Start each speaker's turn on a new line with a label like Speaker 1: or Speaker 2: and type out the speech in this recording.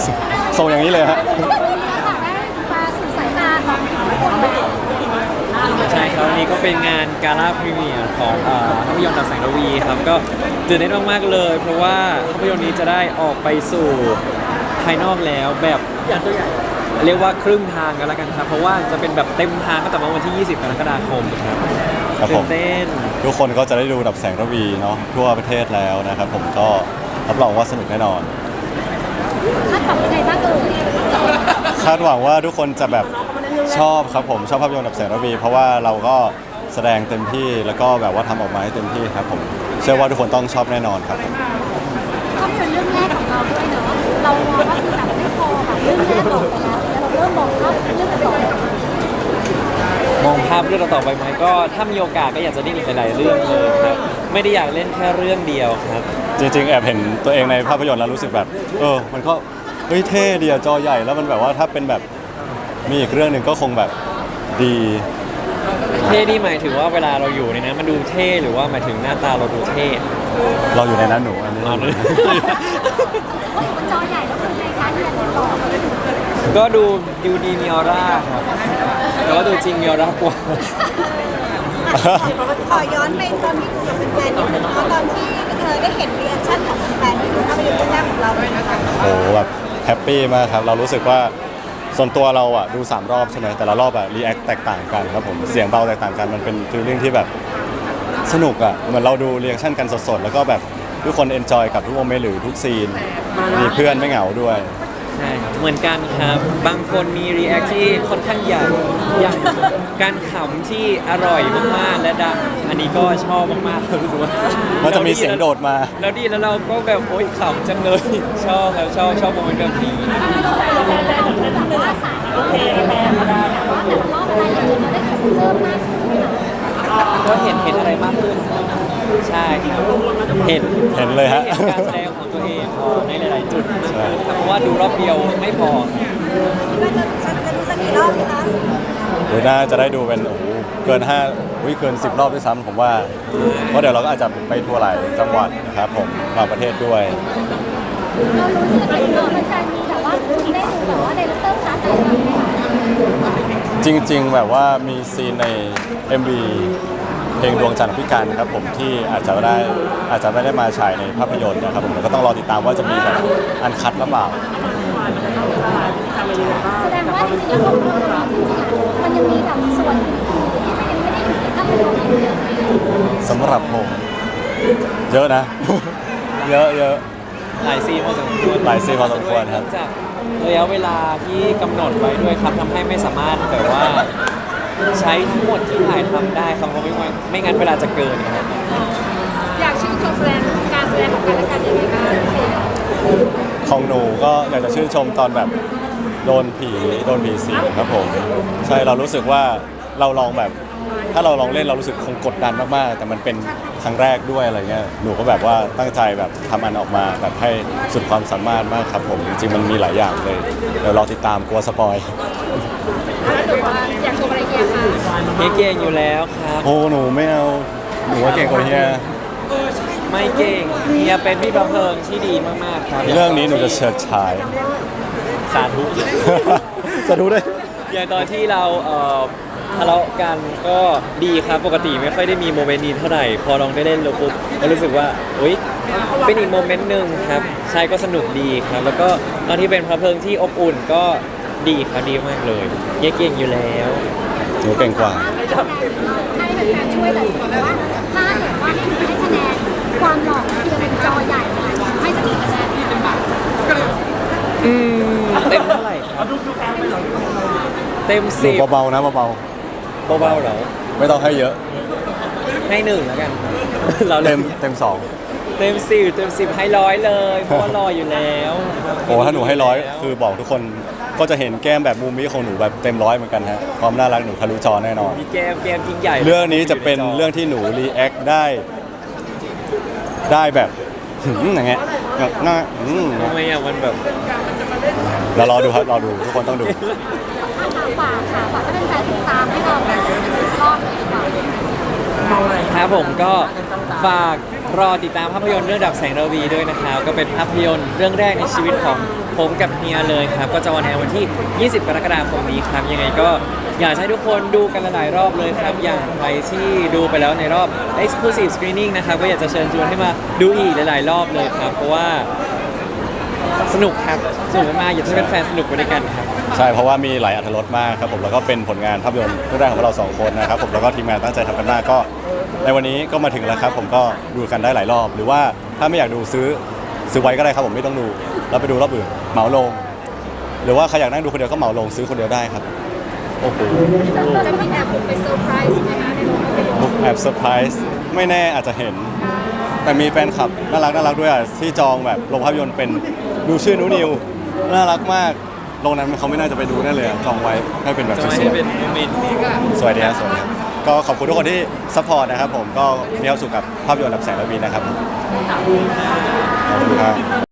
Speaker 1: ส่งอย่างนี้เลยฮะ
Speaker 2: มาสู่สายตาของทุกคนเลย
Speaker 3: ใช่ครับวันนี้ก็เป็นงานกาล่าพรีเมียร์ของภาพยนตร์ดับแสงระวีครับก็ตื่นเต้นมากๆเลยเพราะว่าภาพยนตร์นี้จะได้ออกไปสู่ภายนอกแล้วแบบเรียกว่าครึ่งทางกันแล้วกันครับเพราะว่าจะเป็นแบบเต็มทางก็แต่วันที่ 20 กรกฎาคมครับ
Speaker 1: ครับผ
Speaker 3: ตื่
Speaker 1: ม
Speaker 3: นเต้น
Speaker 1: ทุกคนก็จะได้ดูดับแสงระวีเนาะทั่วประเทศแล้วนะครับผมก็รับรองว่าสนุกแน่นอน
Speaker 2: คาดหวังยังไงบ้างเอ่ย
Speaker 1: คาดหวังว่าทุกคนจะแบบชอบครับผมชอบภาพยนตร์ดับแสงระวีเพราะว่าเราก็แสดงเต็มที่แล้วก็แบบว่าทำออกมาให้เต็มที่ครับผมเชื่อว่าทุกคนต้องชอบแน่นอนครับ
Speaker 2: ภาพยนตร์เรื่องแรกของเราด้วยเนาะเรามองว่าคือแบบไม่พอแบบเรื่องแรกออกไปแล้วเราเริ่มมองภาพเรื่องต่อ
Speaker 3: มองภาพเรื่องต่อไปไหมก็ถ้ามีโอกาสก็อยากจะได้อีกหลายๆเรื่องเลยครับไม่ได้อยากเล่นแค่เรื่องเดียวครับ
Speaker 1: จริงๆแอบเห็นตัวเองในภาพยนตร์แล้วรู้สึกแบบมันก็เฮ้ยเท่ดีอะจอใหญ่แล้วมันแบบว่าถ้าเป็นแบบมีอีกเรื่องหนึ่งก็คงแบบดี
Speaker 3: เท่นี่หมายถึงว่าเวลาเราอยู่ในนั้นมันดูเท่หรือว่าหมายถึงหน้าตาเราดูเท่
Speaker 1: เราอยู่ในนั้นหนูอันนี้
Speaker 3: อ๋อ
Speaker 2: เพราะมันจอใหญ่แล้วคือในการเรียนต่อ
Speaker 3: ก็ดูดีมีออร่าครับแต่ว่าดูจริงมีออร่ากว่า
Speaker 4: ขอย้อนไปตอนที่ดูกับแฟนๆนิดนึงเนาะตอนที่ได้เห็นรีแอคชั่นของแฟนๆที่ดูภาพยนตร์เรื่องแรกของเราเลยนะคะ
Speaker 1: โอ้โหแบบแฮปปี้มากครับเรารู้สึกว่าส่วนตัวเราอ่ะดู3รอบใช่ไหมแต่ละรอบอ่ะรีแอคแตกต่างกันครับผมเสียงเบาแตกต่างกันมันเป็นฟีลลิ่งที่แบบสนุกอ่ะเหมือนเราดูรีแอคชั่นกันสดๆแล้วก็แบบทุกคนเอนจอยกับทุกโมเมนต์หรือทุกซีนมีเพื่อนไม่เหงาด้วย
Speaker 3: ใช่ครับเหมือนกันครับ บางคนมีรีแอคที่ค่อนข้างใหญ่อย่างการขำที่อร่อยมากๆและดังอันนี้ก็ชอบมากๆรู้สึกว่า
Speaker 1: มันจะมีเสียงโดดมา
Speaker 3: แล้วดีแล้วเราก็แบบโอ๊ยขำจังเลย ชอบครับชอบโมเมนต์แบบนี้
Speaker 2: แบบว่าสายโอเคแต่ว่าแต่ละรอบรายละเอียดเราได้เห็นเพิ่มมากขึ้น
Speaker 3: ก็เห็นอะไรมากขึ้นครับใช่ครับเห็น
Speaker 1: เห็นเลยฮะ
Speaker 3: เห็นการแสดงของตัวเองในหลายๆจุดมาก
Speaker 1: ใช่
Speaker 3: ขึ้นครับเพราะว่าดูรอบเดียวไม่พอ
Speaker 4: คิดว่าจะดูสักกี่รอบดีคะ
Speaker 1: หรือน่าจะได้ดูเป็นโอ้โหเกินเกิน10 รอบด้วยซ้ำผมว่าเพราะเดี๋ยวเราก็อาจจะไปทัวร์หลายจังหวัดนะครับผมบางประเทศด้วย
Speaker 2: เรารู้สึกว่าแฟนๆมีแบบว่าได้ดูแบบว่าไดเรคเตอร์คัสอะไรแบบนี้
Speaker 1: จริงๆแบบว่ามีซีนใน MV เพลงดวงจันทร์พิการครับผมที่อาจจะไม่ได้มาฉายในภาพยนตร์นะครับผมแต่ก็ต้องรอติดตามว่าจะมีแบบอันคัดหรือเปล่า
Speaker 2: แสดงว่าจริงๆแล้วมันยังมีแบบส่วนอื่นๆที่มันยังไม่ได้อยู่ในภาพยนตร์อยู่เลย
Speaker 1: สำหรับผมเยอะนะ เยอะ
Speaker 3: หลายซีนพอสมควร
Speaker 1: หลายซีนพอสมควรครับ
Speaker 3: เนื่องจากระยะเวลาที่กำหนดไว้ด้วยครับทำให้ไม่สามารถแบบว่าใช้ทั้งหมดที่ถ่ายทำได้ครับเพราะไม่งั้นเวลาจะเกินครับ
Speaker 2: อยากชื่นชมการแสดงของกันและกันยังไงบ้าง
Speaker 1: ของหนูก็อยากจะชื่นชมตอนแบบโดนผีสิงครับผมใช่เรารู้สึกว่าเราลองแบบถ้าเราลองเล่นเรารู้สึกคงกดดันมากๆแต่มันเป็นครั้งแรกด้วยอะไรเงี้ยหนูก็แบบว่าตั้งใจแบบทำมันออกมาแบบให้สุดความสามารถมากครับผมจริงๆมันมีหลายอย่างเลยเดี๋ยวรอติดตามกลัวสปอย
Speaker 2: แล้วหนูว่าอยากชมอะไรเงี้ยค่ะ
Speaker 3: เก่งอยู่แล้วครับ
Speaker 1: โอ้หนูไม่เอาหนูว่าเก่งกว่าเฮีย
Speaker 3: ไม่เก่งเฮียเป็นพี่ประเพิงที่ดีมากๆครับ
Speaker 1: เรื่องนี้หนูจะเฉิดฉาย
Speaker 3: สาธุ
Speaker 1: จะดูได้
Speaker 3: อย่างตอนที่เราทะเลาะกันก็ดีครับปกติไม่ค่อยได้มีโมเมนต์นี้เท่าไหร่พอลองได้เล่นแล้วปุ๊บก็รู้สึกว่าอุ๊ยเป็นอีกโมเมนต์หนึ่งครับใช่ก็สนุกดีครับ แล้วก็ตอนที่เป็นพระเพลิงที่อบอุ่นก็ดีครับดีมากเลยเฮียเก่งอยู่แล้ว
Speaker 1: หนูเก่งกว่า
Speaker 2: ให้แฟนๆช่วยแต่ว่าถ้าเกิดว่าให้คะแนนความหล่อคือเป็นจอใหญ่ให้สักกี่คะแนน
Speaker 3: เต็มเท่าไหร่ครับเต็ม
Speaker 1: หนู
Speaker 3: 10
Speaker 1: เบาๆนะเบา
Speaker 3: เบาๆเหรอ
Speaker 1: ๆไม่ต้องให้เยอะ
Speaker 3: ให้1แล้วกันเรา
Speaker 1: เต็ม2
Speaker 3: เต็ม10ให้100เลยเพราะว่ารออยู่แล้ว
Speaker 1: โอ้ถ้าหนูให้100คือบอกทุกคนก็จะเห็นแก้มแบบมุมนี้ของหนูแบบเต็ม100เหมือนกันฮะความน่ารักหนูทะลุจอแน่นอน
Speaker 3: มีแกมยิ่งใหญ่
Speaker 1: เรื่องนี้จะเป็นเรื่องที่หนูรีแอคได้แบบอย่างเงี้ยหน้า
Speaker 3: ทำไมอ่ะมันแบบ
Speaker 1: เรารอดูครับรอดูทุกคนต้องดู
Speaker 2: ฝากค่ะฝากให้แฟนๆติดตามให้เราเป็น10 รอบเลยดีกว่า
Speaker 3: ครับผมก็ฝากรอติดตามภาพยนตร์เรื่องดับแสงระวีด้วยนะครับก็เป็นภาพยนตร์เรื่องแรกในชีวิตของผมกับเฮียเลยครับก็จะออนแอร์วันที่ 20 กรกฎาคมนี้ครับยังไงก็อยากให้ทุกคนดูกันหลายๆรอบเลยครับอย่างใครที่ดูไปแล้วในรอบ Exclusive Screening นะครับก็อยากจะเชิญชวนให้มาดูอีกหลายๆรอบเลยครับเพราะว่าสนุกครับสนุกมากๆอยากให้แฟนๆสนุกไปด้วยกันครับ
Speaker 1: ใช่เพราะว่ามีหลายอรรถรสมากครับผมแล้วก็เป็นผลงานภาพยนตร์เรื่องแรกของเราสองคนนะครับผมแล้วก็ทีมงานตั้งใจทำกันมากก็ในวันนี้ก็มาถึงแล้วครับผมก็ดูกันได้หลายรอบ หรือว่าถ้าไม่อยากดูซื้อไว้ก็ได้ครับผมไม่ต้องดูแล้วไปดูรอบอื่นเหมาลง หรือว่าใครอยากนั่งดูคนเดียวก็เหมาลงซื้อคนเดียวได้ครับโอ้โห
Speaker 2: จะมีแอบบุกไปเซอร์ไพรส์ไหมคะในโรงภาพยนตร์
Speaker 1: บุกแอบเซอร์ไพรส์ไม่แน่อาจจะเห็น แต่มีแฟนคลับน่ารักด้วยอ่ะที่จองแบบโรงภาพยนตร์เป็นดูชื่อนูนิวน่ารักมากโรงนั้นเขาไม่น่าจะไปดูแน่เลยอะจองไว้ให้เป็นแบบส
Speaker 3: จะไม่
Speaker 1: ว
Speaker 3: ให้
Speaker 1: ย
Speaker 3: เป็นโมเมนต์
Speaker 1: ๆสวยดีครับสวยดีครับก็ขอบคุณทุกคนที่ซัพพอร์ตนะครับผมก็มีความสุขกับภาพยนตร์ดับแสงระวีนะครับขอบคุณครับ